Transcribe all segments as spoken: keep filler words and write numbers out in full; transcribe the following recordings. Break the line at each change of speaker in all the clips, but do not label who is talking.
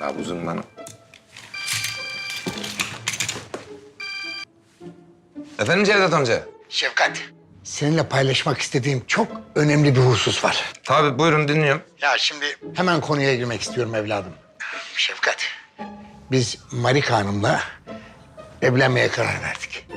Abi uzun bana. Efendim Cevdet amca?
Şefkat, seninle paylaşmak istediğim çok önemli bir husus var.
Tabii buyurun dinliyorum.
Ya şimdi hemen konuya girmek istiyorum evladım. Şefkat, biz Marika Hanım'la evlenmeye karar verdik.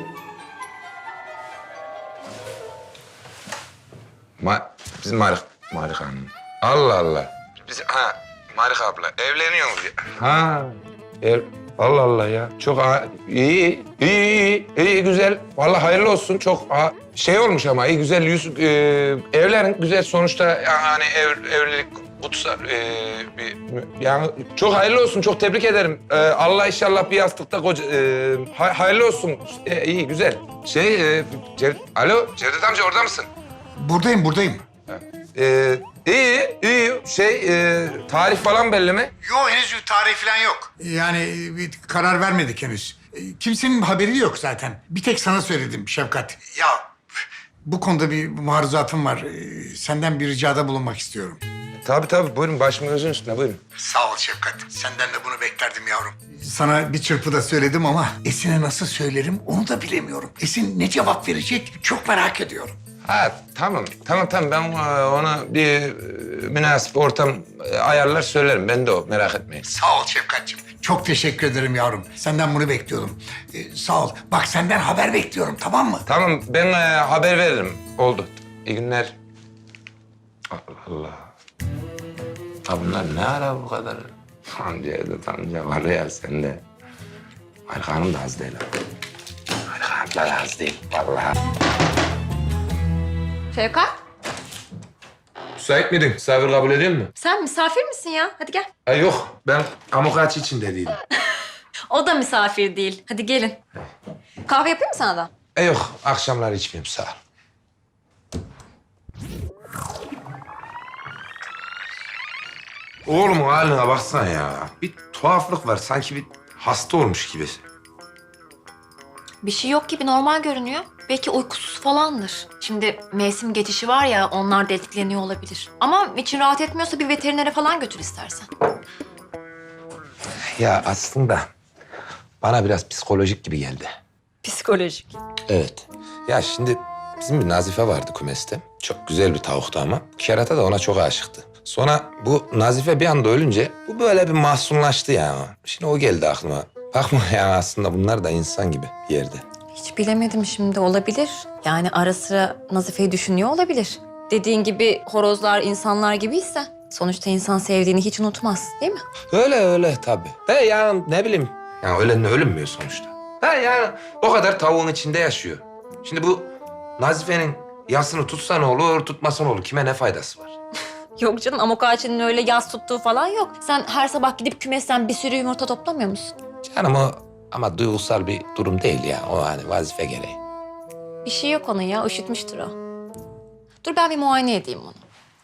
Ma bizim Marika, Marika Hanım. Allah Allah. Biz ha Marika abla evleniyor mu? Ha ev, Allah Allah ya. Çok ha, iyi, iyi, iyi, iyi, güzel. Vallahi hayırlı olsun. Çok ha, şey olmuş ama iyi, güzel yüz e, evlerin güzel sonuçta yani ev, evlilik kutsal e, bir, yani çok hayırlı olsun. Çok tebrik ederim. E, Allah inşallah bir yastıkta koca e, hay, hayırlı olsun. E, iyi güzel. Şey e, Cev, alo Cevdet amca orada mısın?
Buradayım, buradayım.
Ee, iyi, iyi. Şey, e, tarih falan belli mi?
Yok, henüz bir tarih falan yok. Yani bir karar vermedik henüz. Kimsenin haberi yok zaten. Bir tek sana söyledim Şefkat. Ya bu konuda bir maruzatım var. Senden bir ricada bulunmak istiyorum.
Tabii tabii, buyurun. Başımın gözün üstüne, buyurun.
Sağ ol Şefkat. Senden de bunu beklerdim yavrum. Sana bir çırpıda söyledim ama Esin'e nasıl söylerim onu da bilemiyorum. Esin ne cevap verecek çok merak ediyorum.
Ha, tamam, tamam, tamam. Ben e, ona bir e, münasip ortam e, ayarlar söylerim. Ben de o, merak etmeyin.
Sağ ol Şefkatciğim. Çok teşekkür ederim yavrum. Senden bunu bekliyordum. Ee, sağ ol. Bak senden haber bekliyorum, tamam mı?
Tamam, ben e, haber veririm. Oldu. İyi günler. Allah Allah. Ha bunlar ne ara bu kadar? Cevdet amca var ya sende. Marika Hanım da az değil. Marika Hanım da az değil, vallahi.
Şevkat,
Müsait miydin? Misafir kabul ediyor musun?
sen misafir misin ya? Hadi gel.
Ha, yok, ben amokachi için de değilim.
O da misafir değil. Hadi gelin. Kahve yapayım mı sana da?
E yok, akşamları içmiyorum, sağ ol. Oğlumun haline baksana ya. Bir tuhaflık var, sanki bir hasta olmuş gibi.
Bir şey yok gibi, normal görünüyor. Belki uykusuz falandır. Şimdi mevsim geçişi var ya, onlar da etkileniyor olabilir. Ama için rahat etmiyorsa bir veterinere falan götür istersen.
Ya aslında bana biraz psikolojik gibi geldi.
Psikolojik.
Evet. Ya şimdi bizim bir Nazife vardı kümeste. Çok güzel bir tavuktu ama. Kerata da ona çok aşıktı. Sonra bu Nazife bir anda ölünce bu böyle bir mahzunlaştı ya. Şimdi o geldi aklıma. Bakma ya, aslında bunlar da insan gibi bir yerde.
Hiç bilemedim şimdi, olabilir. Yani ara sıra Nazife'yi düşünüyor olabilir. Dediğin gibi horozlar insanlar gibiyse sonuçta insan sevdiğini hiç unutmaz, değil mi?
Öyle öyle tabii. De ya ne bileyim. Ya ölenle ölünmüyor sonuçta. Ha yani o kadar tavuğun içinde yaşıyor. Şimdi bu Nazife'nin yasını tutsa ne olur, tutmasa ne olur? Kime ne faydası var?
Yok canım, amok ağaçının öyle yas tuttuğu falan yok. Sen her sabah gidip kümesten bir sürü yumurta toplamıyor musun?
Canım o ama duygusal bir durum değil ya. O hani vazife gereği.
Bir şey yok onun ya, üşütmüştür o. Dur ben bir muayene edeyim onu.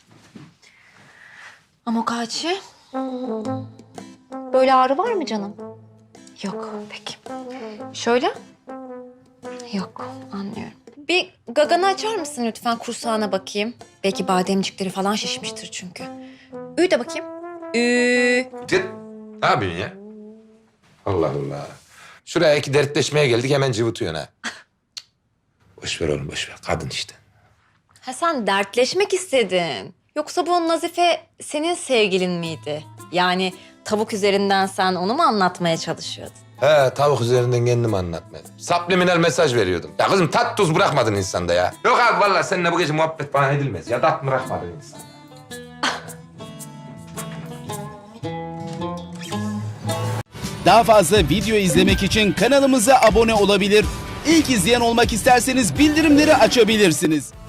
Amok ağacı. Böyle ağrı var mı canım? Yok, peki. Şöyle? Yok, anlıyorum. Bir gaganı açar mısın lütfen, kursağına bakayım. Belki bademcikleri falan şişmiştir çünkü. Üy de bakayım. Üy.
Git. Ne yapıyorsun ya? Allah Allah. Şuraya iki dertleşmeye geldik, hemen cıvıtıyorsun ha. Boş ver oğlum, boş ver. Kadın işte.
Ha sen dertleşmek istedin. Yoksa bu Nazife senin sevgilin miydi? Yani tavuk üzerinden sen onu mu anlatmaya çalışıyordun?
He, tavuk üzerinden kendimi anlatmadım. Subliminal mesaj veriyordum. Ya kızım tat tuz bırakmadın insanda ya. Yok abi vallahi seninle bu gece muhabbet bana edilmez. Ya tat bırakmadın insanda.
Daha fazla video izlemek için kanalımıza abone olabilir. İlk izleyen olmak isterseniz bildirimleri açabilirsiniz.